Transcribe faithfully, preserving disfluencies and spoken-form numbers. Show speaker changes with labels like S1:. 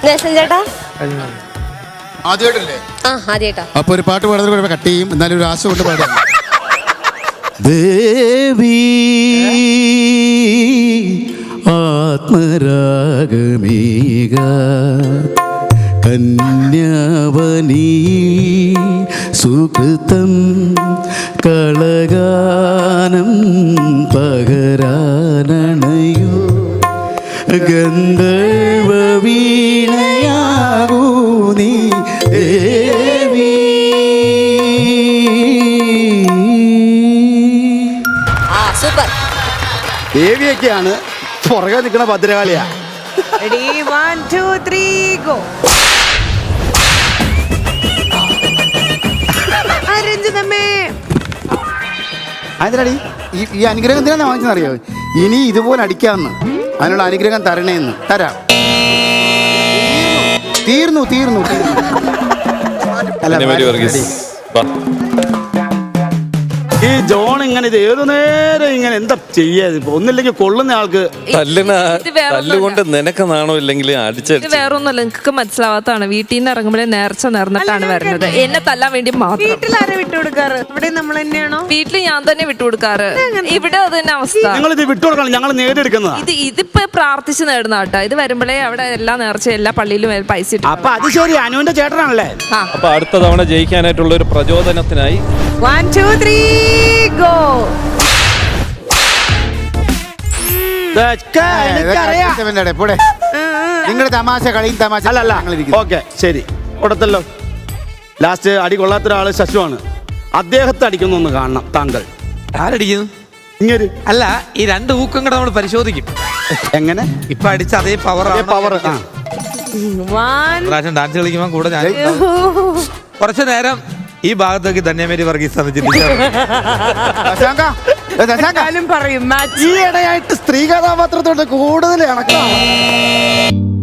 S1: ദേശം ചേട്ടാ
S2: ആദ്യമായിട്ടല്ലേ?
S1: ആ ആദ്യമായിട്ടാ.
S2: അപ്പൊ ഒരു പാട്ട് പാടുന്നത് കൂടെ കട്ട് ചെയ്യും, എന്നാലും ഒരു ആശ കൊണ്ട് പാടാം. ദേവി ആത്മരാഗമേക കന്യാവനീ സുകൃതം കളഗാനം പകരാനണയോ ഗന്ധർവ വീണയാകൂ നീ ദേവി.
S1: ആ സൂപ്പർ.
S2: ദേവിയൊക്കെയാണ് പുറകെ നിൽക്കുന്ന ഭദ്രകാളിയാ.
S3: Ready, one, two, three, go. രഞ്ജിതമ്മേ
S2: അതിനടി ഈ ഈ അനുഗ്രഹം എന്തിനാ വാങ്ങിച്ചെന്നറിയോ? ഇനി ഇതുപോലെ അടിക്കാമെന്ന്, അതിനുള്ള അനുഗ്രഹം തരണേന്ന്. തരാം. തീർന്നു തീർന്നു തീർന്നു. അല്ല, ഈ ജോൺ ഇങ്ങനെ ഇത് ഏതു നേരം ഇങ്ങനെ എന്താ ചെയ്യാ? ഒന്നില്ലെങ്കിൽ കൊള്ളുന്ന ആൾക്ക്
S4: തല്ലുകൊണ്ട് നിനക്ക് നാണോ ഇല്ലെങ്കിൽ അടിച്ചു.
S5: വേറൊന്നുമല്ല, നിങ്ങക്ക് മനസ്സിലാവാത്തതാണ്. വീട്ടിൽ നിന്ന് ഇറങ്ങുമ്പോഴേ നേർച്ച നേർന്നിട്ടാണ് വരുന്നത്, എന്നെ തല്ലാൻ വേണ്ടി മാത്രം.
S3: വീട്ടിലാരെ വിട്ടുകൊടുക്കാറ്? ഇവിടെ നമ്മൾ തന്നെയാണോ?
S5: വീട്ടിൽ ഞാൻ തന്നെ വിട്ടുകൊടുക്കാറ്. ഇവിടെ അത് തന്നെ അവസ്ഥ.
S2: ഞങ്ങൾ ഇത് വിട്ടുകൊടുക്കണം, ഞങ്ങൾ നേടിയെടുക്കുന്നതാ.
S5: ഇത് ഇതിപ്പോ പ്രാർത്ഥിച്ച് നേടുന്ന കേട്ടോ. ഇത് വരുമ്പോഴേ അവിടെ എല്ലാ നേർച്ച എല്ലാ പള്ളിയിലും പൈസ ഇട്ടു.
S2: അപ്പൊ അത് ശരി, അനുവിന്റെ ചേട്ടനാണല്ലേ?
S4: അപ്പൊ അടുത്ത തവണ ജയിക്കാനായിട്ടുള്ള ഒരു പ്രചോദനത്തിനായി
S3: One, two, three, go.
S2: നിങ്ങളുടെ തമാശ കളിയും തമാശ അല്ലല്ല. ഓക്കെ ശരി, കൊടുത്തല്ലോ. ലാസ്റ്റ് അടി കൊള്ളാത്ത ഒരാള് ശശുവാണ്. അദ്ദേഹത്തെ അടിക്കുന്നൊന്ന് കാണണം താങ്കൾ.
S6: ആരടിക്കുന്നു?
S2: ഇങ്ങനെ
S6: അല്ല, ഈ രണ്ട് ഊക്കം കൂടെ നമ്മൾ പരിശോധിക്കും.
S2: എങ്ങനെ?
S6: ഇപ്പൊ അടിച്ച അതേ പവർ
S2: പവർ.
S3: One,
S6: പ്രാവശ്യം ഡാൻസ് കളിക്കുമ്പോൾ കൂടെ ഞാൻ കുറച്ചു നേരം ഈ ഭാഗത്തേക്ക് ധന്യമേരി വർഗീസ്
S3: പറയും
S2: ഈ ഇടയായിട്ട് സ്ത്രീ കഥാപാത്രത്തോട് കൂടുതൽ ഇണക്കണം.